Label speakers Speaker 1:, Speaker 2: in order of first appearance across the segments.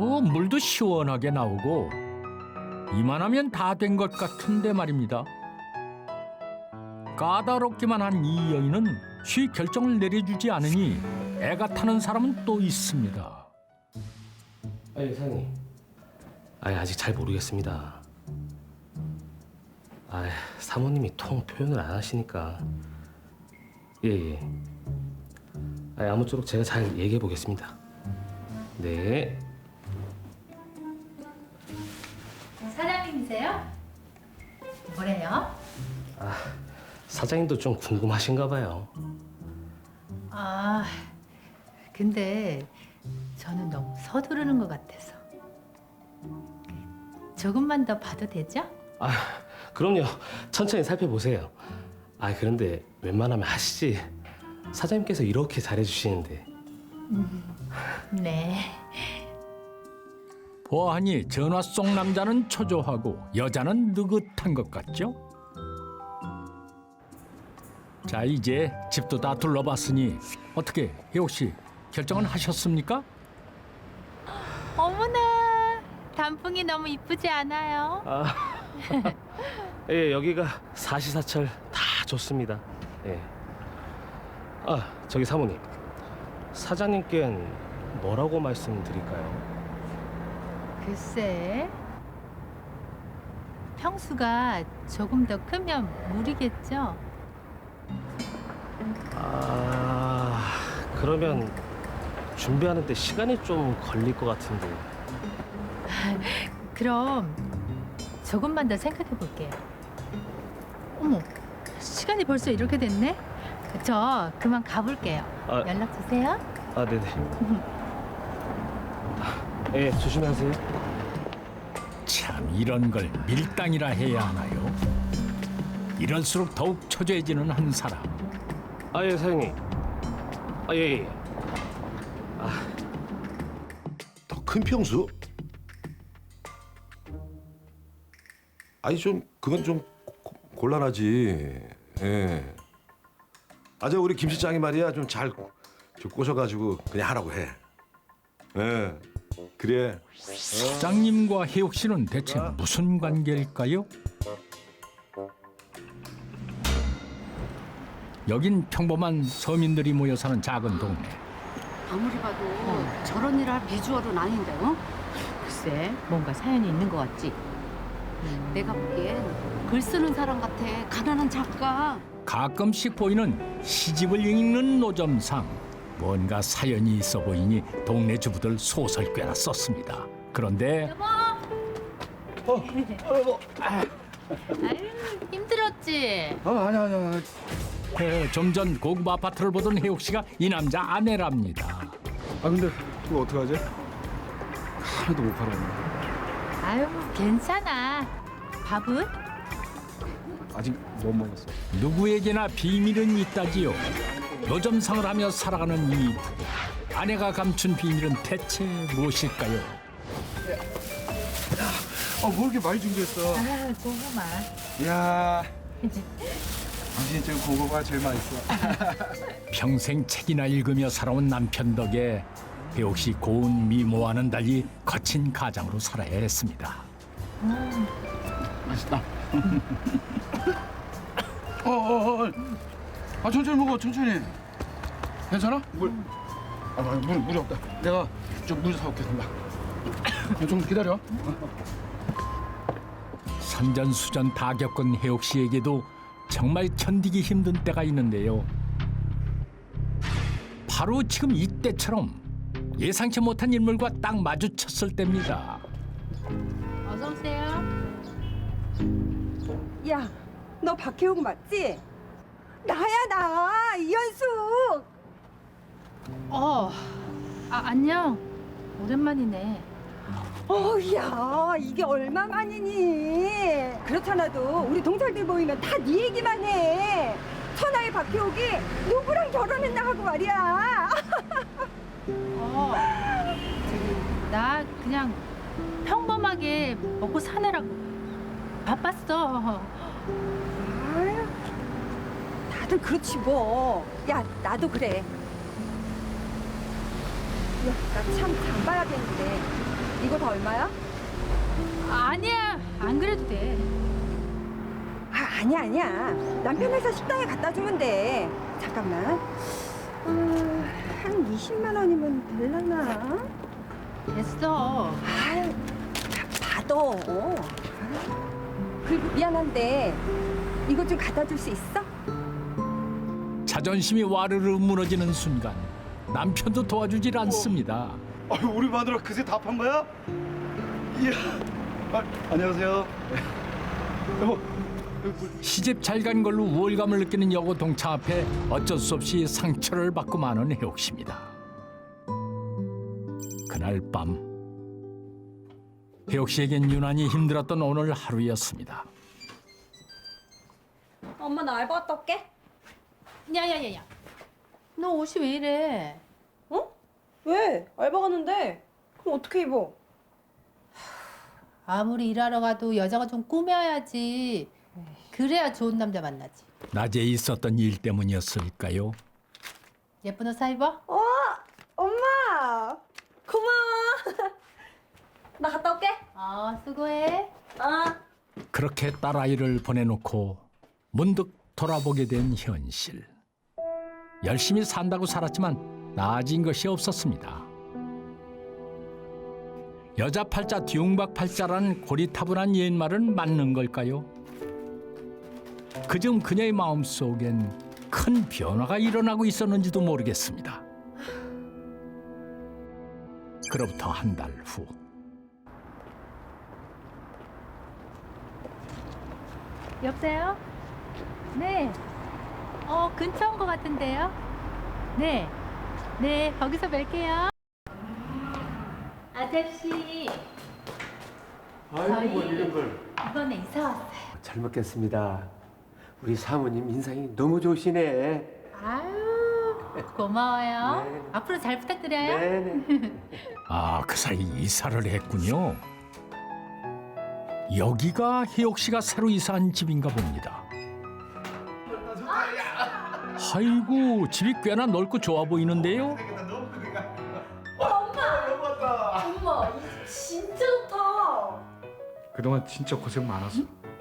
Speaker 1: 물도 시원하게 나오고 이만하면 다 된 것 같은데 말입니다. 까다롭기만 한 이 여인은 쉬 결정을 내려주지 않으니 애가 타는 사람은 또 있습니다.
Speaker 2: 아니 사장님, 아직 잘 모르겠습니다. 사모님이 통 표현을 안 하시니까. 예. 아무쪼록 제가 잘 얘기해 보겠습니다. 네.
Speaker 3: 사장님이세요? 뭐래요?
Speaker 2: 사장님도 좀 궁금하신가 봐요.
Speaker 3: 근데 저는 너무 서두르는 것 같아서. 조금만 더 봐도 되죠?
Speaker 2: 그럼요. 천천히 살펴보세요. 그런데 웬만하면 하시지. 사장님께서 이렇게 잘해주시는데.
Speaker 3: 네.
Speaker 1: 보아하니 전화 속 남자는 초조하고 여자는 느긋한 것 같죠? 자, 이제 집도 다 둘러봤으니 어떻게 혜옥 씨 결정은 하셨습니까?
Speaker 3: 어머나, 단풍이 너무 이쁘지 않아요?
Speaker 2: 예, 여기가 사시사철 다 좋습니다. 예. 저기 사모님. 사장님께는 뭐라고 말씀드릴까요?
Speaker 3: 글쎄, 평수가 조금 더 크면 무리겠죠?
Speaker 2: 그러면 준비하는데 시간이 좀 걸릴 것 같은데.
Speaker 3: 그럼 조금만 더 생각해 볼게요. 어머, 시간이 벌써 이렇게 됐네? 저 그만 가볼게요. 연락 주세요.
Speaker 2: 네네. 예, 조심하세요.
Speaker 1: 참 이런 걸 밀당이라 해야 하나요? 이럴수록 더욱 초조해지는 한 사람.
Speaker 2: 예, 사장님. 예.
Speaker 4: 더 큰 평수? 좀 그건 좀 곤란하지. 예. 저 우리 김 실장이 말이야 좀 잘 꼬셔가지고 그냥 하라고 해. 예. 그래.
Speaker 1: 사장님과 혜옥 씨는 대체 무슨 관계일까요? 여긴 평범한 서민들이 모여 사는 작은 동네.
Speaker 5: 아무리 봐도 저런 일을 할 비주얼은 아닌데, 어?
Speaker 3: 글쎄, 뭔가 사연이 있는 것 같지?
Speaker 5: 내가 보기엔 글 쓰는 사람 같아. 가난한 작가.
Speaker 1: 가끔씩 보이는 시집을 읽는 노점상 뭔가 사연이 있어 보이니 동네 주부들 소설 꽤나 썼습니다. 그런데
Speaker 3: 아유, 힘들었지?
Speaker 6: 아니야.
Speaker 1: 좀 전 고급 아파트를 보던 혜옥 씨가 이 남자 아내랍니다.
Speaker 6: 근데 그거 어떡하지? 하나도 못 팔았네.
Speaker 3: 아유, 괜찮아. 밥은?
Speaker 6: 아직 못 먹었어.
Speaker 1: 누구에게나 비밀은 있다지요. 노점상을 하며 살아가는 이 부부. 아내가 감춘 비밀은 대체 무엇일까요?
Speaker 6: 뭐 이렇게 많이 준비했어?
Speaker 3: 고구마.
Speaker 6: 이야. 당신이 지금 고구마가 제일 맛있어.
Speaker 1: 평생 책이나 읽으며 살아온 남편 덕에 혜옥 씨 고운 미모와는 달리 거친 가장으로 살아야 했습니다.
Speaker 6: 맛있다. 천천히 먹어, 천천히. 괜찮아? 물이 없다. 내가 좀 물 사올게, 금방. 좀 기다려.
Speaker 1: 선전수전 다 겪은 혜옥 씨에게도 정말 견디기 힘든 때가 있는데요. 바로 지금 이때처럼 예상치 못한 인물과 딱 마주쳤을 때입니다.
Speaker 3: 어서 오세요.
Speaker 7: 야, 너 박혜옥 맞지? 나야 나 이현숙.
Speaker 3: 안녕. 오랜만이네.
Speaker 7: 야, 이게 얼마만이니? 그렇잖아도 우리 동창들 모이면 다 네 얘기만 해. 천하의 박혜옥이 누구랑 결혼했나 하고 말이야.
Speaker 3: 나 그냥 평범하게 먹고 사느라고 바빴어.
Speaker 7: 아유, 다들 그렇지 뭐. 야, 나도 그래. 야, 나 참 장 봐야겠는데 이거 다 얼마야?
Speaker 3: 아니야, 안 그래도 돼.
Speaker 7: 아니야. 남편 회사 식당에 갖다 주면 돼. 잠깐만. 한 20만 원이면 될라나?
Speaker 3: 됐어.
Speaker 7: 아유, 받아. 그리고 미안한데 이거 좀 갖다 줄 수 있어?
Speaker 1: 자존심이 와르르 무너지는 순간 남편도 도와주질 않습니다.
Speaker 6: 아유, 우리 마누라 그새 다 판 거야? 이야. 안녕하세요. 여보.
Speaker 1: 시집 잘 간 걸로 우월감을 느끼는 여고 동창 앞에 어쩔 수 없이 상처를 받고 마는 혜옥 씨입니다. 그날 밤 혜옥 씨에겐 유난히 힘들었던 오늘 하루였습니다.
Speaker 8: 엄마 나 알바 갔다 올게.
Speaker 3: 야야야야, 너 옷이 왜 이래?
Speaker 8: 어? 왜? 알바 갔는데. 그럼 어떻게 입어?
Speaker 3: 아무리 일하러 가도 여자가 좀 꾸며야지. 그래야 좋은 남자 만나지.
Speaker 1: 낮에 있었던 일 때문이었을까요?
Speaker 3: 예쁜 옷 사 입어?
Speaker 8: 엄마 고마워. 나 갔다 올게.
Speaker 3: 수고해.
Speaker 1: 그렇게 딸아이를 보내놓고 문득 돌아보게 된 현실. 열심히 산다고 살았지만 나아진 것이 없었습니다. 여자 팔자 뒤웅박 팔자라는 고리타분한 옛말은 맞는 걸까요? 그중 그녀의 마음속엔 큰 변화가 일어나고 있었는지도 모르겠습니다. 그로부터 한 달 후.
Speaker 3: 여보세요? 네. 근처인 것 같은데요? 네. 네, 거기서 뵐게요. 아저씨.
Speaker 9: 아이고, 뭐 이런 걸.
Speaker 3: 이번에 이사 왔어요.
Speaker 9: 잘 먹겠습니다. 우리 사모님 인상이 너무 좋으시네.
Speaker 3: 아유, 고마워요.
Speaker 9: 네.
Speaker 3: 앞으로 잘 부탁드려요.
Speaker 9: 네네.
Speaker 1: 아, 그 사이 이사를 했군요. 여기가 혜옥 씨가 새로 이사한 집인가 봅니다. 아이고, 집이 꽤나 넓고 좋아 보이는데요.
Speaker 8: 엄마 이 집 진짜 좋다.
Speaker 6: 그동안 진짜 고생 많았어.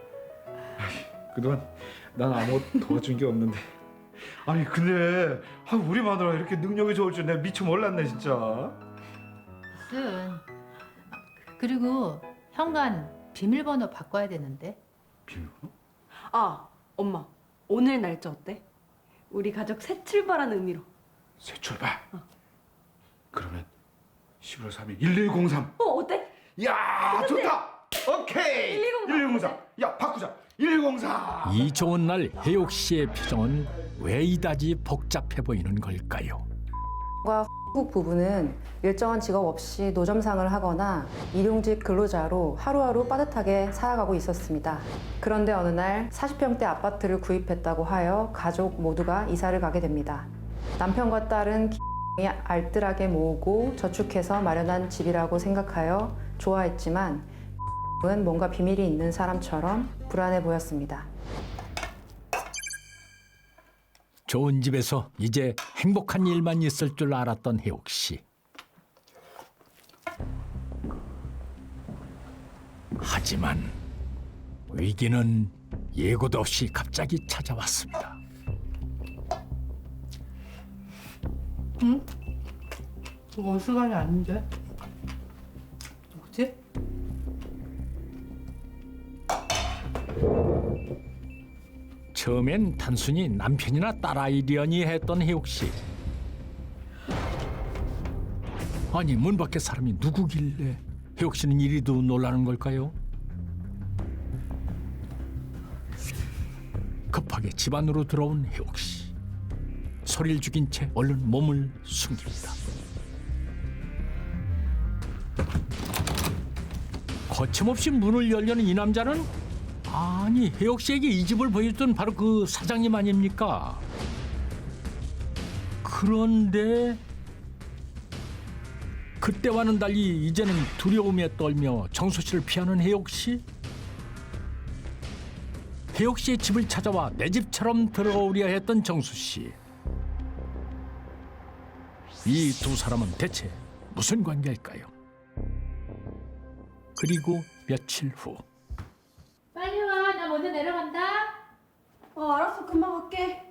Speaker 6: 그동안 난 아무것도 도와준 게 없는데. 아니 근데 우리 마누라 이렇게 능력이 좋을 줄 내가 미처 몰랐네 진짜.
Speaker 3: 무슨. 그리고 현관 비밀번호 바꿔야 되는데.
Speaker 6: 비밀번호?
Speaker 8: 엄마 오늘 날짜 어때? 우리 가족 새 출발하는 의미로.
Speaker 6: 새 출발. 그러면 11월 3일 1103.
Speaker 8: 어때?
Speaker 6: 야 좋다. 오케이. 1103. 야 바꾸자. 1104.
Speaker 1: 이 좋은 날 혜옥 씨의 표정은 왜 이다지 복잡해 보이는 걸까요?
Speaker 10: 한국 부부는 일정한 직업 없이 노점상을 하거나 일용직 근로자로 하루하루 빠듯하게 살아가고 있었습니다. 그런데 어느 날 40평대 아파트를 구입했다고 하여 가족 모두가 이사를 가게 됩니다. 남편과 딸은 알뜰하게 모으고 저축해서 마련한 집이라고 생각하여 좋아했지만 은 뭔가 비밀이 있는 사람처럼 불안해 보였습니다.
Speaker 1: 좋은 집에서 이제 행복한 일만 있을 줄 알았던 혜옥 씨. 하지만 위기는 예고도 없이 갑자기 찾아왔습니다.
Speaker 3: 응? 이거 어수간이 아닌데? 누구지?
Speaker 1: 처음엔 단순히 남편이나 딸아이려니 했던 혜옥 씨. 아니 문 밖에 사람이 누구길래 혜옥 씨는 이리도 놀라는 걸까요? 급하게 집 안으로 들어온 혜옥 씨. 소리를 죽인 채 얼른 몸을 숨깁니다. 거침없이 문을 열려는 이 남자는 아니 혜옥 씨에게 이 집을 보여줬던 바로 그 사장님 아닙니까? 그런데 그때와는 달리 이제는 두려움에 떨며 정수 씨를 피하는 혜옥 씨? 혜옥 씨의 집을 찾아와 내 집처럼 들어오려 했던 정수 씨. 이 두 사람은 대체 무슨 관계일까요? 그리고 며칠 후
Speaker 3: 빨리 와. 나 먼저 내려간다.
Speaker 8: 알았어. 금방 갈게.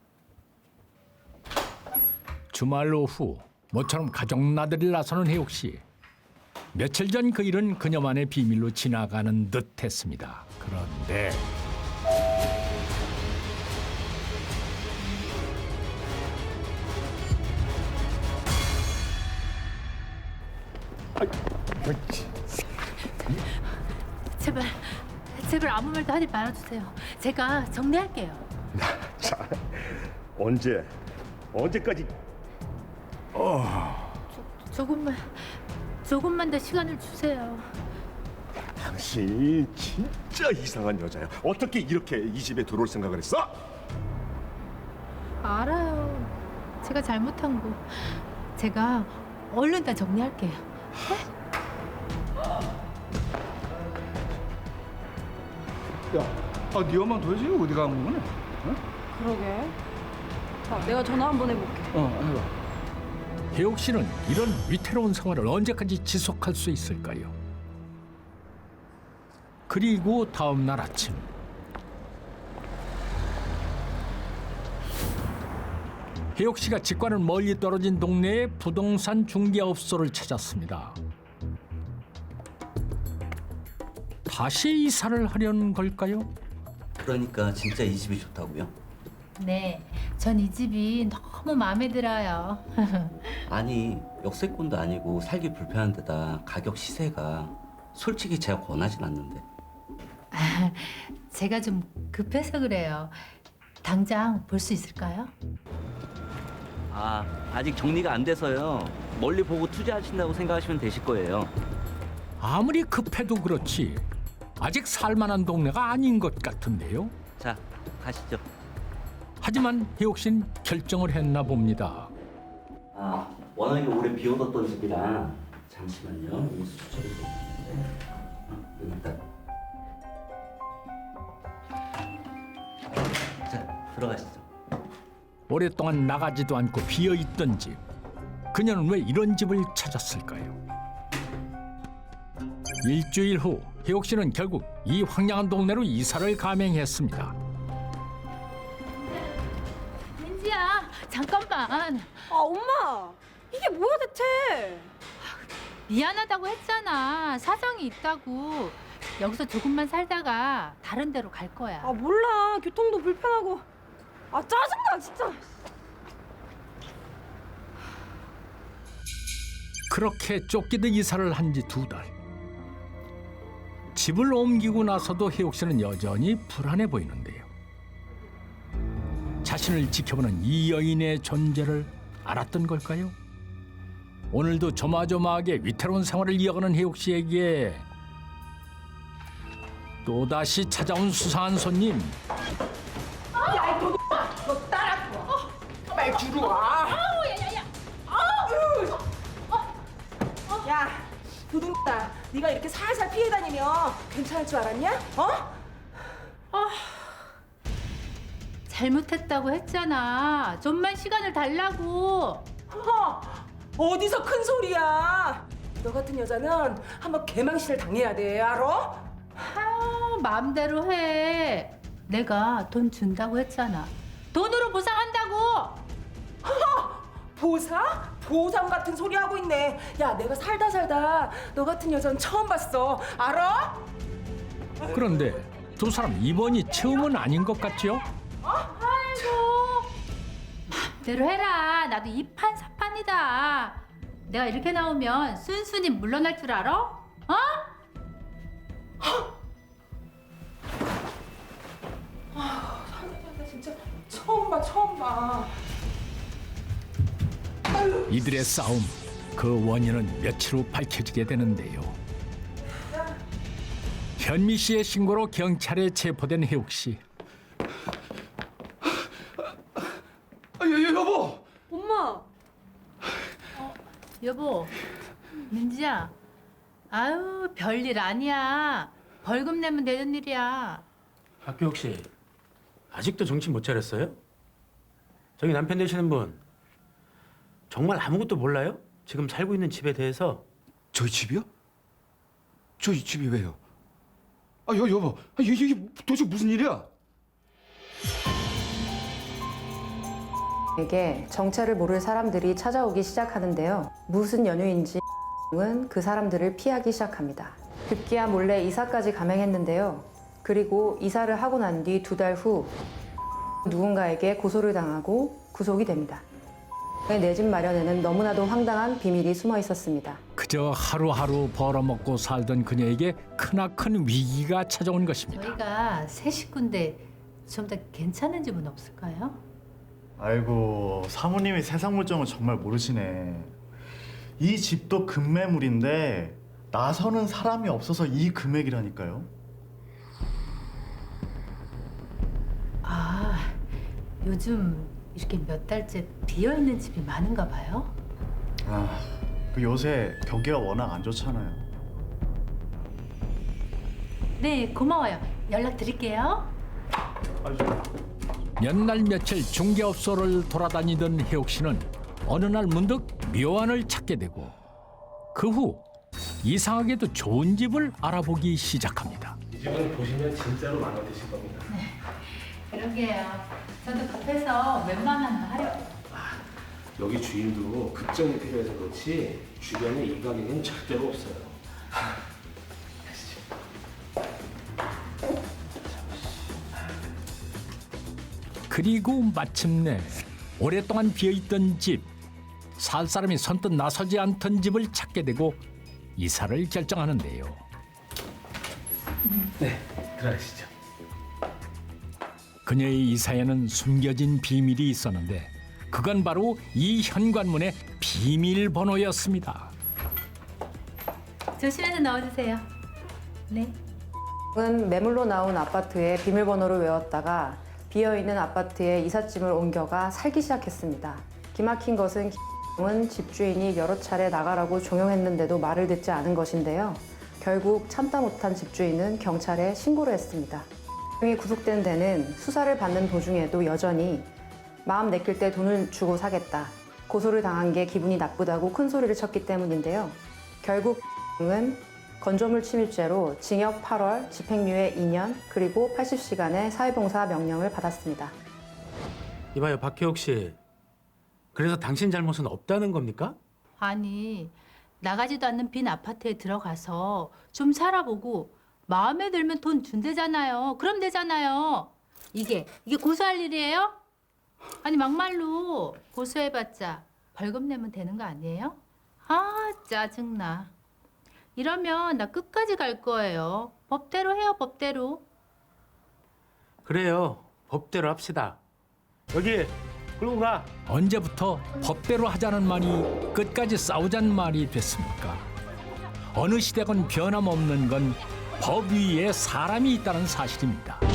Speaker 1: 주말 오후 모처럼 가족 나들이를 나서는 혜옥 씨. 며칠 전 그 일은 그녀만의 비밀로 지나가는 듯했습니다. 그런데
Speaker 3: 제발 아무 말도 하지 말아주세요. 제가 정리할게요.
Speaker 4: 자, 언제까지?
Speaker 3: 조금만 더 시간을 주세요.
Speaker 4: 당신 진짜 이상한 여자야. 어떻게 이렇게 이 집에 들어올 생각을 했어?
Speaker 3: 알아요. 제가 잘못한 거. 제가 얼른 다 정리할게요.
Speaker 6: 야, 네 엄마 도대체 어디 간 거네?
Speaker 8: 그러게. 자, 내가 전화 한번 해볼게.
Speaker 6: 해봐.
Speaker 1: 혜옥 씨는 이런 위태로운 생활을 언제까지 지속할 수 있을까요? 그리고 다음 날 아침 혜옥 씨가 직과는 멀리 떨어진 동네의 부동산 중개업소를 찾았습니다. 다시 이사를 하려는 걸까요?
Speaker 11: 그러니까 진짜 이 집이 좋다고요?
Speaker 3: 네, 전 이 집이 너무 마음에 들어요.
Speaker 11: 아니 역세권도 아니고 살기 불편한 데다 가격 시세가 솔직히 제가 권하진 않는데.
Speaker 3: 제가 좀 급해서 그래요. 당장 볼 수 있을까요?
Speaker 11: 아직 정리가 안 돼서요. 멀리 보고 투자하신다고 생각하시면 되실 거예요.
Speaker 1: 아무리 급해도 그렇지 아직 살만한 동네가 아닌 것 같은데요.
Speaker 11: 자, 가시죠.
Speaker 1: 하지만 혜옥 씨는 결정을 했나 봅니다.
Speaker 11: 워낙에 오래 비워뒀던 집이라 잠시만요. 여기 수첩이 좀 있는데. 여기 있다. 자, 들어가시죠.
Speaker 1: 오랫동안 나가지도 않고 비어있던 집. 그녀는 왜 이런 집을 찾았을까요? 일주일 후 혜옥 씨는 결국 이 황량한 동네로 이사를 감행했습니다.
Speaker 3: 민지야, 잠깐만.
Speaker 8: 엄마! 이게 뭐야 대체?
Speaker 3: 미안하다고 했잖아. 사정이 있다고. 여기서 조금만 살다가 다른 데로 갈 거야.
Speaker 8: 몰라. 교통도 불편하고. 짜증나 진짜.
Speaker 1: 그렇게 쫓기듯 이사를 한 지 2달. 집을 옮기고 나서도 혜옥 씨는 여전히 불안해 보이는데요. 자신을 지켜보는 이 여인의 존재를 알았던 걸까요? 오늘도 조마조마하게 위태로운 생활을 이어가는 혜옥 씨에게 또다시 찾아온 수상한 손님.
Speaker 7: 빨리 들어와. 야, 도둑아, 네가 이렇게 살살 피해 다니면 괜찮을 줄 알았냐?
Speaker 3: 잘못했다고 했잖아. 좀만 시간을 달라고.
Speaker 7: 어디서 큰 소리야? 너 같은 여자는 한번 개망신을 당해야 돼, 알아?
Speaker 3: 마음대로 해. 내가 돈 준다고 했잖아. 돈으로 보상한다고.
Speaker 7: 보상? 보상 같은 소리 하고 있네. 야, 내가 살다 너 같은 여자는 처음 봤어, 알아?
Speaker 1: 그런데 두 사람 이번이 처음은 아닌 것 같죠?
Speaker 3: 아이고, 마음대로 해라. 나도 이판사판이다. 내가 이렇게 나오면 순순히 물러날 줄 알아?
Speaker 7: 진짜 처음 봐.
Speaker 1: 이들의 싸움, 그 원인은 며칠 후 밝혀지게 되는데요. 현미 씨의 신고로 경찰에 체포된 혜옥 씨.
Speaker 6: 여보.
Speaker 8: 엄마!
Speaker 3: 여보, 민지야. 아유, 별일 아니야. 벌금 내면 되는 일이야.
Speaker 9: 박규옥 씨, 아직도 정신 못 차렸어요? 저기 남편 되시는 분 정말 아무것도 몰라요? 지금 살고 있는 집에 대해서?
Speaker 6: 저희 집이요? 저 이 집이 왜요? 여보, 이게 도대체 무슨 일이야?
Speaker 10: 에게 정체를 모를 사람들이 찾아오기 시작하는데요. 무슨 연유인지 은 그 사람들을 피하기 시작합니다. 급기야 몰래 이사까지 감행했는데요. 그리고 이사를 하고 난 뒤 2달 후 누군가에게 고소를 당하고 구속이 됩니다. 내 집 마련에는 너무나도 황당한 비밀이 숨어 있었습니다.
Speaker 1: 그저 하루하루 벌어먹고 살던 그녀에게 크나큰 위기가 찾아온 것입니다.
Speaker 3: 저희가 새 식구인데 좀 더 괜찮은 집은 없을까요?
Speaker 12: 아이고, 사모님이 세상 물정을 정말 모르시네. 이 집도 급매물인데 나서는 사람이 없어서 이 금액이라니까요.
Speaker 3: 아, 요즘 이렇게 몇 달째 비어있는 집이 많은가 봐요?
Speaker 12: 아, 그 요새 경기가 워낙 안 좋잖아요.
Speaker 3: 네, 고마워요. 연락 드릴게요.
Speaker 1: 몇 날 며칠 중개업소를 돌아다니던 혜옥 씨는 어느 날 문득 묘안을 찾게 되고 그 후 이상하게도 좋은 집을 알아보기 시작합니다.
Speaker 2: 이 집은 보시면 진짜로 마음에 드실 겁니다.
Speaker 3: 그러게요. 저도 급해서 웬만하면 하려고.
Speaker 2: 여기 주인도 급정이 필요해서 그렇지 주변에 이 가격은 절대로 없어요.
Speaker 1: 그리고 마침내 오랫동안 비어있던 집, 살 사람이 선뜻 나서지 않던 집을 찾게 되고 이사를 결정하는데요.
Speaker 2: 네, 들어가시죠.
Speaker 1: 그녀의 이사에는 숨겨진 비밀이 있었는데 그건 바로 이 현관문의 비밀번호였습니다.
Speaker 3: 조심해서 넣어주세요. 네.
Speaker 10: 은 매물로 나온 아파트의 비밀번호를 외웠다가 비어있는 아파트에 이삿짐을 옮겨가 살기 시작했습니다. 기막힌 것은 은 집주인이 여러 차례 나가라고 종용했는데도 말을 듣지 않은 것인데요. 결국 참다 못한 집주인은 경찰에 신고를 했습니다. 이 구속된 데는 수사를 받는 도중에도 여전히 마음 내킬 때 돈을 주고 사겠다. 고소를 당한 게 기분이 나쁘다고 큰 소리를 쳤기 때문인데요. 결국 은 건조물 침입죄로 징역 8월, 집행유예 2년, 그리고 80시간의 사회봉사 명령을 받았습니다.
Speaker 9: 이봐요, 박혜옥 씨. 그래서 당신 잘못은 없다는 겁니까?
Speaker 3: 아니, 나가지도 않는 빈 아파트에 들어가서 좀 살아보고 마음에 들면 돈 준대잖아요. 그럼 되잖아요. 이게 고소할 일이에요? 아니, 막말로 고소해봤자 벌금 내면 되는 거 아니에요? 아, 짜증나. 이러면 나 끝까지 갈 거예요. 법대로 해요, 법대로.
Speaker 9: 그래요. 법대로 합시다. 여기 끌고 가.
Speaker 1: 언제부터 법대로 하자는 말이 끝까지 싸우자는 말이 됐습니까? 어느 시대건 변함없는 건 법 위에 사람이 있다는 사실입니다.